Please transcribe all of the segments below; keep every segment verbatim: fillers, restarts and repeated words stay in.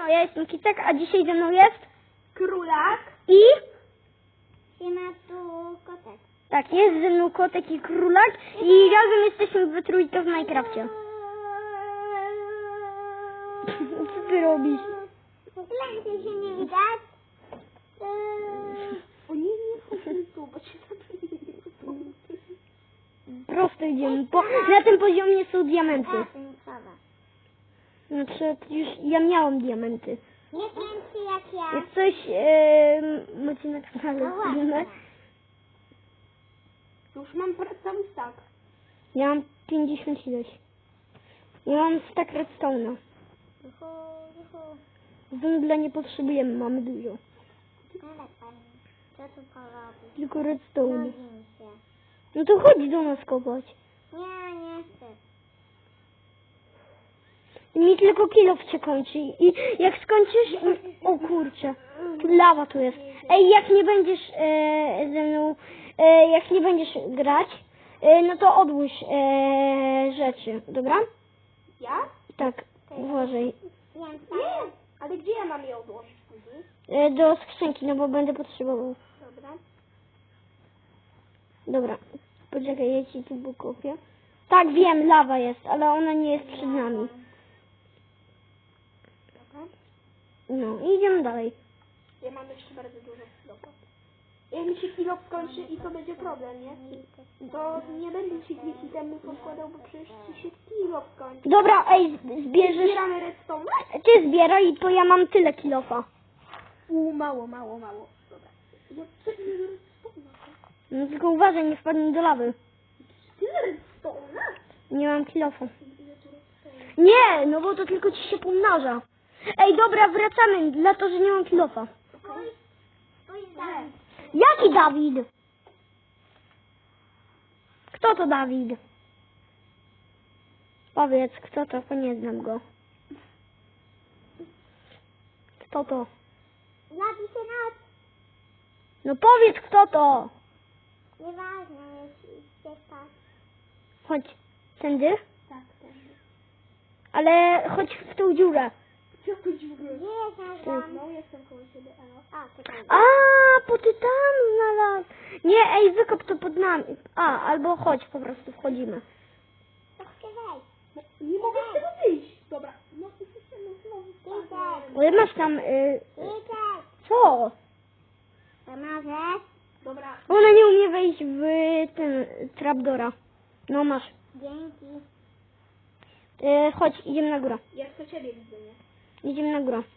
Siemano, ja jestem Kicek, a dzisiaj ze mną jest Królak. i... Siema, tu kotek. Tak, jest ze mną Kotek i Królak i razem jesteśmy we trójkę w Minecrafcie. Co ty robisz? Lepiej się nie widać. O nie, nie chodźmy tu, bo cię zabiję. Prosto idziemy. Po, na tym poziomie są diamenty. Ratunkowa. Znaczy, już ja miałam diamenty. Nie kręci jak ja. Jak coś e, macie na kanale No właśnie. filmy, Już mam pra- cały stack. ja mam pięćdziesiąt ileś. Ja mam stack redstone'a. Juhu, juhu. Węgla nie potrzebujemy, mamy dużo. Ale fajnie. Co tu porobić? Tylko redstone. Nudzi mi się. No to chodź do nas kopać. Nie, nie chcę. Mi tylko kilof się kończy i jak skończysz... O kurczę, lawa tu jest. Ej, jak nie będziesz e, ze mną, e, jak nie będziesz grać, e, no to odłóż e, rzeczy, dobra? Ja? Tak, uważaj. Wiem, Nie. Ale gdzie ja mam je odłożyć później? E, do skrzynki, no bo będę potrzebował. Dobra. Dobra, poczekaj, ja ci tu kopię. Tak, wiem, lawa jest, ale ona nie jest przed nami. Dobra. No, i idziemy dalej. Ja mam jeszcze bardzo dużo kilofa. Jak mi się kilo skończy i to będzie problem, nie? To nie będę ci tych itemów odkładał, bo przecież ci się kilo skończy. Dobra, ej, zbierzesz... Zbieramy redstone? Ty zbieraj, bo ja mam tyle kilofa. U, mało, mało, mało. Dobra. Ja tyle redstone. No tylko uważaj, nie wpadnij do lawy. Tyle redstone? Nie mam kilofa. Ile tu redstone? Nie, no bo to tylko ci się pomnaża. Ej, dobra, wracamy, dlatego że nie mam kilofa. Spójrz, spójrz tam. Jaki Dawid? Kto to Dawid? Powiedz, kto to, bo nie znam go. Kto to? Zabi się noc. No powiedz, kto to. Nieważne, jeśli się spać. Chodź, tędy, Tak, tak. ale chodź w tą dziurę. Jaką dziurę? Gdzie jest nasz dom? No, jestem koło siebie, elo. A, tutaj. A, po tytanu znalazł. Nie, ej, wykop to pod nami. A, albo chodź, po prostu wchodzimy. To chcę wejść. No, nie mogę z tego wyjść. Dobra. No, no, znowu Idę. Ale masz tam, y, Idę. co? Pomożesz? Dobra. Ona nie umie wejść w ten trapdora. No masz. Dzięki. Y, chodź, idziemy na górę. Ja chcę ciebie widzę, nie? Idziemy na górę.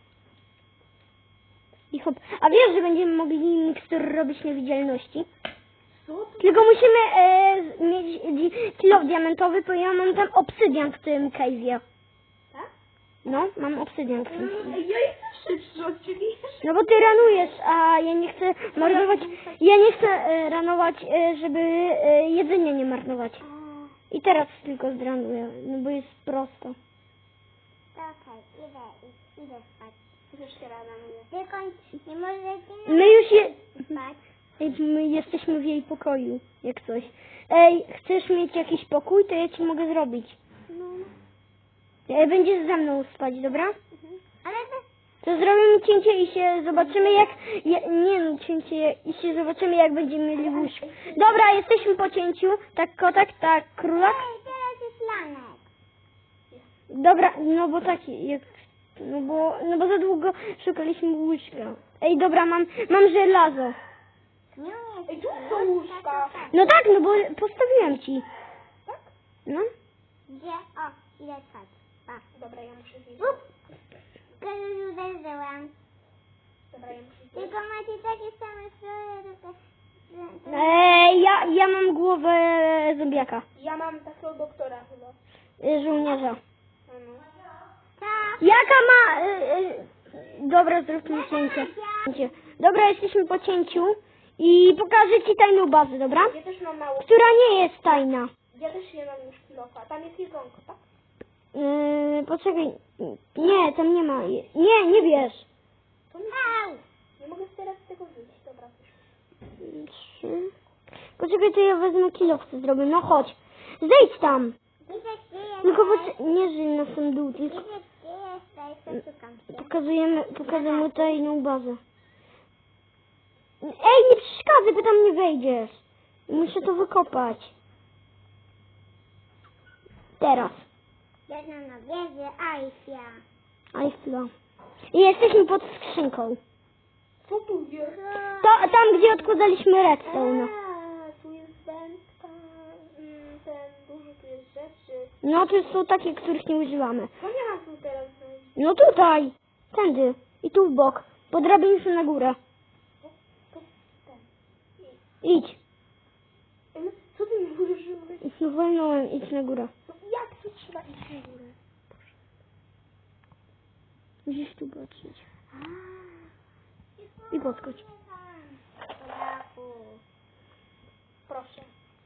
I hop. A wiesz, że będziemy mogli mikstur robić niewidzialności? Co to? Tylko musimy e, mieć di- kilo diamentowy, bo ja mam tam obsydian w tym cave'ie. Tak? No, mam obsydian w tym. Ej, ja jestem szybszy od ciebie. No bo ty ranujesz, a ja nie chcę marnować, ja nie chcę e, ranować, e, żeby e, jedzenie nie marnować. I teraz tylko zdranuję, no bo jest prosto. Okej, idę, i- idę spać. Już się rada mówię. Tylko nie możecie My już je... spać. Ej, my jesteśmy w jej pokoju, jak coś. Ej, chcesz mieć jakiś pokój, to ja ci mogę zrobić. No. E, Będziesz ze mną spać, dobra? Ale to... To zrobimy cięcie i się zobaczymy jak... Ja, nie no, cięcie i się zobaczymy jak będziemy mieli łóżko. Dobra, jesteśmy po cięciu. Tak kotek, tak królak. Ej, teraz jest lanek. Dobra, no bo taki, jak... No bo, no bo za długo szukaliśmy łóżka. Ej, dobra, mam, mam żelazo. Nie umiem. Ej, tu są łóżka. No tak, no bo postawiłem ci. Tak? No. Gdzie? O, idę spać. Pa. Dobra, ja muszę zjeść. Up. Już uderzyłam. Dobra, ja muszę zjeść. Tylko macie takie same stroje, tylko... że- Ej, ja, ja mam głowę zombiaka. Ja mam takiego doktora chyba. y, Żołnierza. Ano. Tak. Jaka ma... Y, y, dobra, zróbmy cięcie. Cięcie. Dobra, jesteśmy po cięciu i pokażę ci tajną bazę, dobra? Ja też mam mało. Która nie jest tajna. Ja też nie mam już kilofa. Tam jest jedzonko, tak? Yy, poczekaj. Nie, tam nie ma. Nie, nie wiesz. To nie, Au. nie mogę teraz z tego wyjść. Dobra, już. Trzy. Poczekaj, to ja wezmę kilo, chcę zrobię. No chodź. Zejdź tam. Idę, gdzie Tylko jesteś? poczekaj, nie żyj na sam dół, tylko... Idę, gdzie jesteś? Okej, przeszukam się. Pokazujemy, pokazujemy tajną bazę. Ej, nie przeszkadzaj, bo tam nie wejdziesz. Muszę to wykopać. Teraz. Jedna na wieży Aisja. Eiffla. I jesteśmy pod skrzynką. Co tu jest? To, tam, gdzie odkładaliśmy redstone. A, tu jest wędka, mm, ten, dużo tu jest rzeczy. No to są takie, których nie używamy. No nie mam tu teraz znaleźć. No tutaj. Tędy. I tu w bok. Po drabinie na górę. To, to ten. Idź. Ej, no, co ty mi mówisz, że mówię? No wolnąłem, idź na górę. No, jak tu trzeba iść na górę? Musisz tu patrzeć. I podskocz. Braku. Proszę.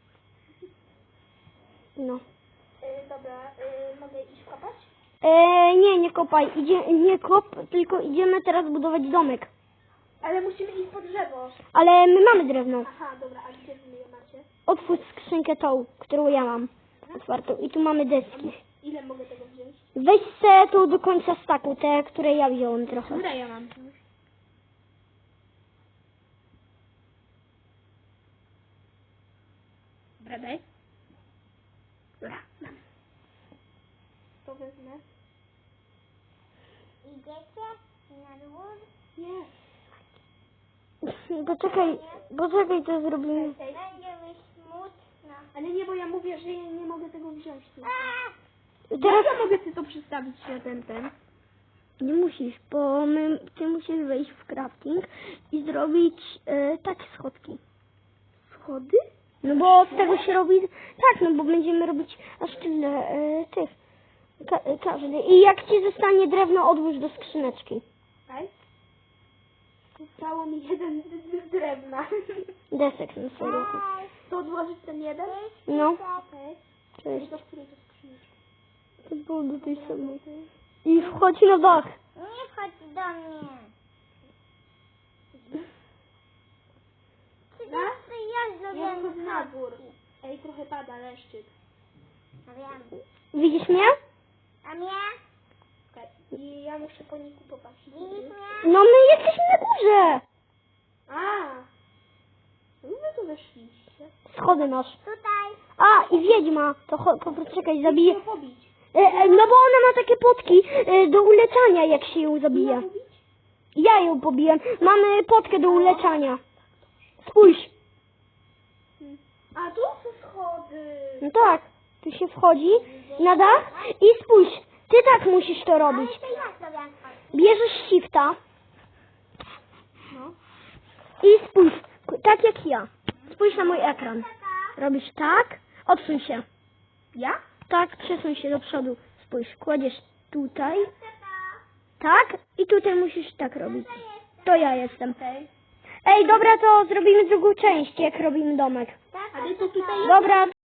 No. Y, dobra, y, mogę iść kopać? E, nie, nie kopaj. Idzie, nie kop, tylko idziemy teraz budować domek. Ale musimy iść po drzewo. Ale my mamy drewno. Aha, dobra, a gdzie wy je macie? Otwórz skrzynkę tą, którą ja mam. Otwartą. I tu mamy deski. Ile mogę tego wziąć? Weź se tu do końca staku, te, które ja wziąłem trochę. Które ja mam? Dobra, daj. Dobra, mam. To wezmę. Idziecie na dwór? Nie. Poczekaj, poczekaj, to zrobimy. Ej, Będzie mi smutno. ale nie, bo ja mówię, że ja nie mogę tego wziąć. Tu. Teraz Ja mogę ty to przestawić się ten, ten. nie musisz, bo my, ty musisz wejść w crafting i zrobić e, takie schodki. Schody? No bo z tego się robi, tak, no bo będziemy robić aż tyle e, tych, ka, każdy. I jak ci zostanie drewno, odłóż do skrzyneczki. Tak? Zostało mi jeden d- d- drewna. Desek na samochód. To odłożyć ten jeden? No, Okej. cześć. Do której to skrzyneczki? To było do tej samej. I wchodź na dach. Nie chodź do mnie. Czy Na? to ja Ja zrobię wchodzę na dwór. Ej, trochę pada leszczyk. A wiem. Widzisz mnie? A mnie? Okej. I ja muszę po niku popatrzeć. Widzisz mnie? No my jesteśmy na górze. A! No wy tu weszliście. Schody masz. Tutaj. A, i wiedźma. To cho- po prostu czekaj, zabiję. Musimy pobić. E, e, no bo ona ma takie potki e, do uleczania, jak się ją Ja zabije. pobić? Ja ją pobiłem. Mamy potkę do uleczania. Spójrz. Hmm. A tu są schody. No tak. Tu się wchodzi na dach i spójrz. Ty tak musisz to robić. To ja zrobię chodź. Bierzesz shifta No. i spójrz. Tak jak ja. Spójrz na mój ekran. Robisz tak. Odsuń się. Ja? Tak, przesuń się do przodu. Spójrz, kładziesz tutaj. Tak. I tutaj musisz tak robić. To ja jestem. Okej. Ej, dobra, to zrobimy drugą część, jak robimy domek. Ale to tutaj Dobra,